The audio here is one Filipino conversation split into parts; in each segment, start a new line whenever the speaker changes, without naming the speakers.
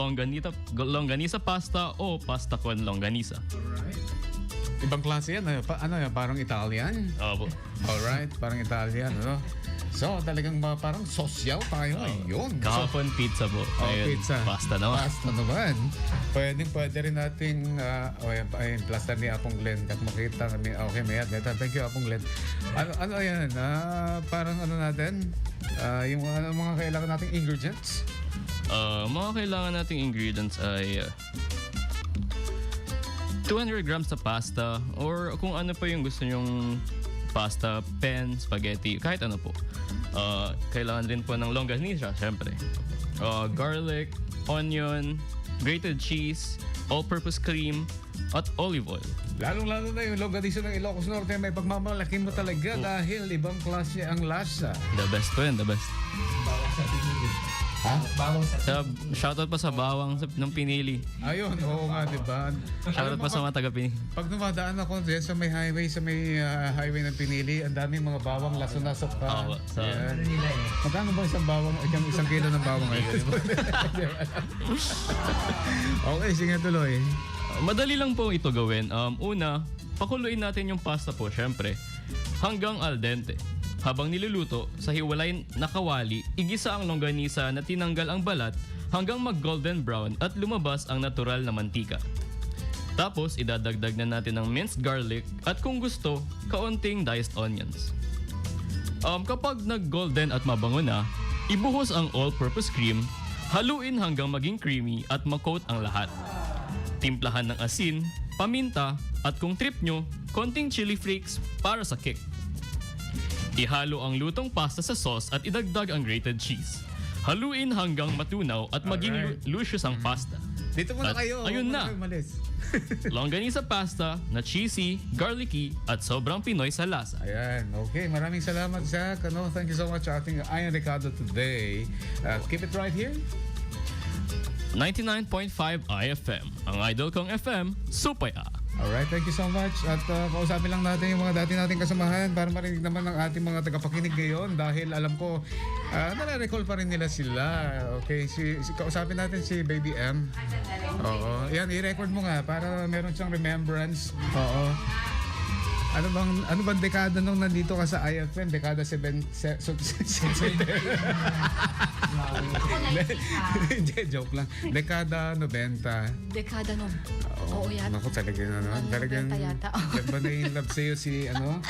Longganisa pasta o pasta con longganisa.
Alright. Ibang klase yan. Ano yan? Parang Italian?
Opo.
Alright, parang Italian, ano? So, talagang parang social tayo. Ayun.
Kahapon pizza po. Ngayon,
pizza.
Pasta naman.
Pasta naman. Pwede rin nating, ayun, plaster ni Apong Glenn. Kat makita kami, okay, may thank you, Apong Glenn. Ano yan? Parang ano natin? Yung mga kailangan nating ingredients?
Mga kailangan nating ingredients ay 200 grams na pasta or kung ano pa yung gusto nyong pasta, pen, spaghetti, kahit ano po. Kailangan rin po ng longganisa, syempre. Garlic, onion, grated cheese, all-purpose cream, at olive oil.
Lalong-lalo na yung longganisa ng Ilocos Norte, may pagmamalaki mo talaga dahil ibang klase ang lasa.
The best po yun, the best.
Bawang sa pinili.
Ha?
Bawang sa
Shoutout pa sa bawang ng pinili.
Ayun, oo nga, di ba?
Shoutout pa sa mga taga-pinili.
Pag dumadaan ako dyan sa may highway, highway ng Pinili, ang daming mga bawang laso-nasok pa.
Oo, sa-
Yan.
ano nila eh.
Magkano ba isang kilo ng bawang ngayon? Okay, sige tuloy.
Madali lang po ito gawin. Una, pakuluin natin yung pasta po, syempre, hanggang al dente. Habang niluluto, sa hiwalay na kawali, igisa ang longganisa na tinanggal ang balat hanggang mag-golden brown at lumabas ang natural na mantika. Tapos, idadagdag na natin ng minced garlic at kung gusto, kaunting diced onions. Kapag nag-golden at mabango na, ibuhos ang all-purpose cream, haluin hanggang maging creamy at makoat ang lahat. Timplahan ng asin, paminta, at kung trip nyo, konting chili flakes para sa kick. Ihalo ang lutong pasta sa sauce at idagdag ang grated cheese. Haluin hanggang matunaw at maging
Alright.
luscious ang pasta.
Dito muna
At
kayo.
ayun
Huwag
na.
kayo umalis.
Longganisa pasta na cheesy, garlicky, at sobrang Pinoy sa lasa.
Ayan, okay. Maraming salamat, Zach. Thank you so much sa ating Ian Ricardo today. Keep it right here.
99.5 IFM, ang idol kong FM, Supaya.
Alright, thank you so much. At kausapin lang natin yung mga dati nating kasamahan para marinig naman ng ating mga tagapakinig ngayon dahil alam ko, nare-recall pa rin nila sila. Okay, kausapin natin si Baby M. Oo, yan, i-record mo nga para meron siyang remembrance. Oo. Ano bang dekada nung nandito ka sa IFM? Dekada 7. Hindi, joke lang. Dekada 90.
Dekada nun. Oo, yan.
Naku, talagang talagang
yata.
ba na-in-love sa'yo si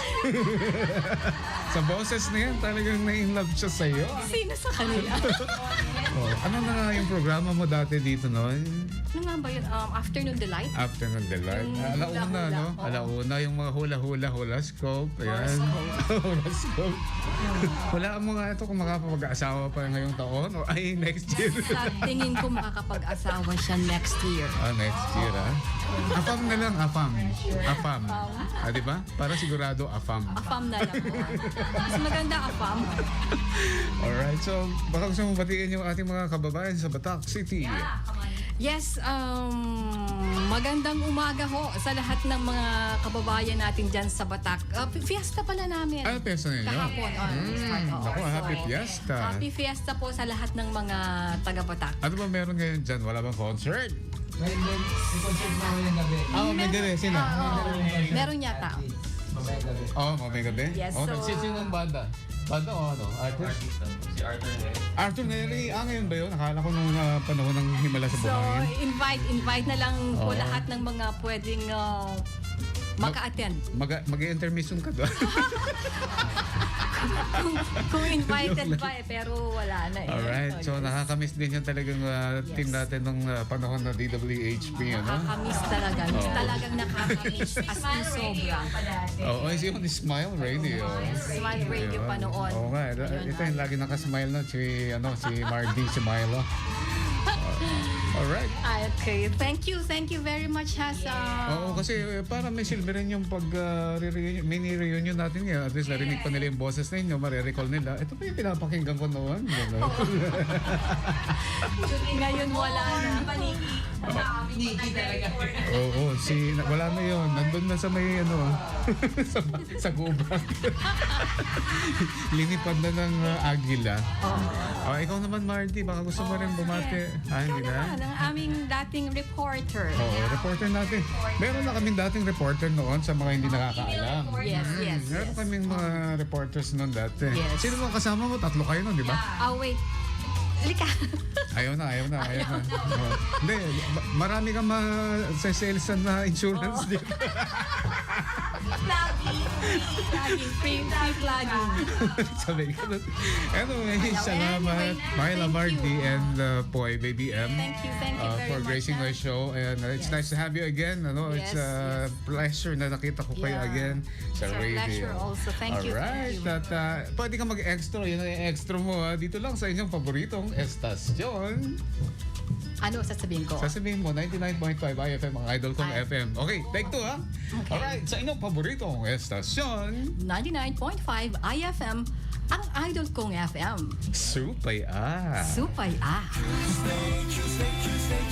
sa boses na yan, talagang na-in-love siya sa'yo.
Sino sa kanila?
Ano na nga yung programa mo dati dito noon?
Ano nga ba yun? Afternoon Delight?
Afternoon Delight. Alauna,
hula-hula,
no?
oo.
Alauna, yung mga hula scope. Ayan. Hula scope. Hulaan mo nga ito kung makapag-asawa pa ngayong taon o ay next year.
Sa tingin ko makakapag-asawa siya next year.
Next year, Afam na lang, afam. Afam. Di ba? Para sigurado, afam.
Afam na lang po. Mas maganda afam.
Alright, so baka gusto mong batiin yung ating mga kababayan sa Batak City.
Yes, magandang umaga ho sa lahat ng mga kababayan natin dyan sa Batak. Fiesta pala namin.
Fiesta ninyo?
Kahapon.
Naku, happy fiesta.
Happy fiesta po sa lahat ng mga taga-Batak.
Ano ba meron ngayon dyan? Wala bang concert?
may concert na ngayong gabi.
May gabi. Sino?
Meron yata.
Mamayang gabi.
May gabi?
Yes, so-
Sino ang banda? Banda o ano? Artist?
Si Arthur Neri.
Arthur Neri. Ngayon ba yun? Nakala ko nung panahon ng Himala sa
So,
Buhangin.
invite na lang po
Oo.
lahat ng mga pwedeng maka-attend.
Mag-intermission ka doon.
Kung invited pa pero wala na eh.
Alright. So, nakakamiss din yung talagang team natin nung panahon na DWHP.
Nakakamiss talaga. Talagang nakakamiss. As in sobra.
Yung Smile Radio.
Smile Radio pa noon.
Oo nga. Ito yung lagi nakasmile na si Mardy Smile. Alright.
Okay. Thank you very much ha sa...
Oo, kasi para may silver rin yung mini-reunion natin ngayon. At least narinig pa nila yung boses ninyo, marirecall nila. Ito pa yung pinapakinggan ko noon.
Ngayon wala na.
Niki talaga.
Oo, wala na yun. Nandun na sa may sa gubat. Linipad na ng agila. Oh, ikaw naman, Marty, baka gusto mo rin bumati. Hindi na?
Ng aming dating reporter.
Oo, reporter natin. Meron na kaming dating reporter noon sa mga hindi nakakaalam.
Yes, yes,
Meron
yes.
kaming mga reporters noon dati.
Yes.
Sino mo kasama mo? Tatlo kayo noon, di ba?
Wait. Lika.
Ayaw na. Oo. Hindi, marami kang ma-salesan na insurance dito.
Flagging. Free flagging.
Sabi ko. Anyway, salamat.
Anyway,
Mahila
thank
Marty
you.
and Poy Baby M.
Thank you very
For
much.
gracing my show, and it's
Yes.
nice to have you again. It's
Yes,
a pleasure na nakita ko kayo
Yeah.
again sa
It's a
radio.
pleasure also. Thank you,
Alright,
thank you.
at pwede ka mag-extra. Yun ang extra mo dito lang sa inyong paboritong estasyon.
Ano sasabihin ko?
Sasabihin mo, 99.5 IFM ang idol kong
Ay.
FM. Okay, take two ha.
Okay.
Alright, sa inyong paboritong estasyon,
99.5 IFM, ang idol kong FM.
Supay ah.
Supay ah.
Tuesday,